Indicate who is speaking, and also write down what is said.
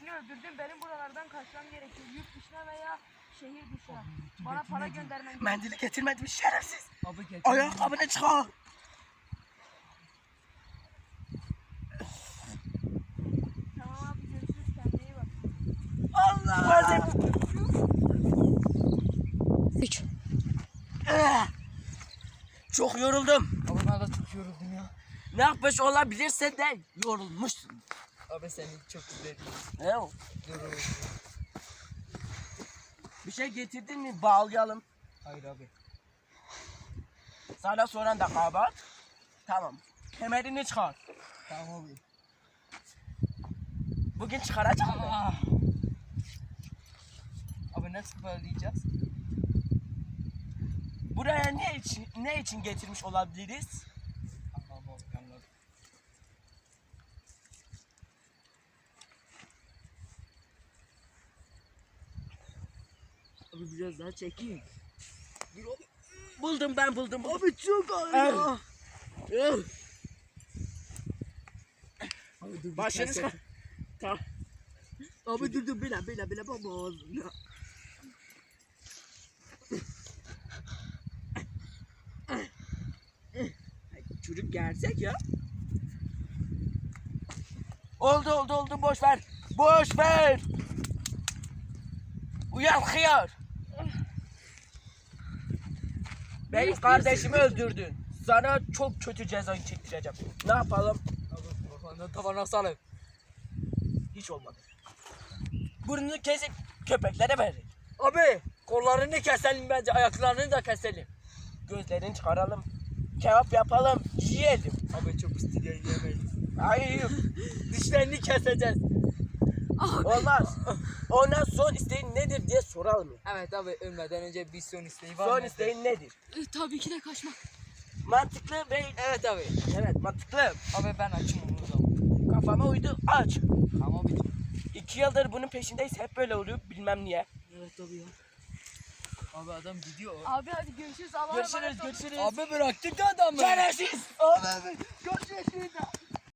Speaker 1: kişini öldürdüm. Benim buralardan kaçmam gerekiyor. Yurt dışına veya şehir dışına. Bana para göndermen gerekiyor.
Speaker 2: Mendili getirmedim şerefsiz.
Speaker 3: Abi getir.
Speaker 2: Ayakkabını çıkar.
Speaker 1: Tamam abi görüşürüz. Kendine iyi bak.
Speaker 2: Allah.
Speaker 4: 3.
Speaker 2: Çok yoruldum.
Speaker 3: Abi ben de çok yoruldum ya.
Speaker 2: Ne yapmış olabilirse de yorulmuşsun.
Speaker 3: Abi seni çok üzüldüm.
Speaker 2: Ne o?
Speaker 3: Yoruldum.
Speaker 2: Bir şey getirdin mi bağlayalım.
Speaker 3: Hayır abi.
Speaker 2: Sana soran da kabahat. Tamam. Kemerini çıkar.
Speaker 3: Tamam abi.
Speaker 2: Bugün çıkaracak mı?
Speaker 3: Ah. Abi nasıl bağlayacağız?
Speaker 2: Buraya ne için getirmiş olabiliriz?
Speaker 3: Tamam abi anladım.
Speaker 2: Abi biraz daha çekeyim. Buldum.
Speaker 3: Abi çok ağır
Speaker 2: ya.
Speaker 3: Abi dur.
Speaker 2: Başını çıkar. Tamam.
Speaker 3: Abi dur bile baba.
Speaker 2: Çocuk gersek ya. Oldu boş ver. Uyan hıyar. Benim kardeşimi öldürdün. Sana çok kötü cezayı çektireceğim. Ne yapalım?
Speaker 3: Abi kafanı tavana salın.
Speaker 2: Hiç olmadı. Burnunu kesip köpeklere verin.
Speaker 3: Abi kollarını keselim bence, ayaklarını da keselim.
Speaker 2: Gözlerini çıkaralım. Kebap yapalım, yiyelim.
Speaker 3: Abi çok istiyor yemeyiz.
Speaker 2: Hayır,
Speaker 3: Dişlerini keseceğiz.
Speaker 2: olmaz. Ondan son isteğin nedir diye soralım.
Speaker 3: Evet abi ölmeden önce bir son isteği var
Speaker 2: Son
Speaker 3: mı?
Speaker 2: isteğin nedir?
Speaker 4: Tabii ki de kaçmak.
Speaker 2: Mantıklı ve
Speaker 3: Evet abi.
Speaker 2: evet mantıklı.
Speaker 3: Abi ben açım onu zaman.
Speaker 2: Kafama uydu, aç.
Speaker 3: Tamam abi.
Speaker 2: 2 yıldır bunun peşindeyiz, hep böyle oluyor, bilmem niye.
Speaker 3: Evet abi ya. Abi adam gidiyor.
Speaker 1: Abi hadi görüşürüz. Allah'a emanet ol.
Speaker 2: Görüşürüz.
Speaker 3: Abi bıraktık da adamı.
Speaker 2: Şerefsiz.
Speaker 3: Abi görüşürüz.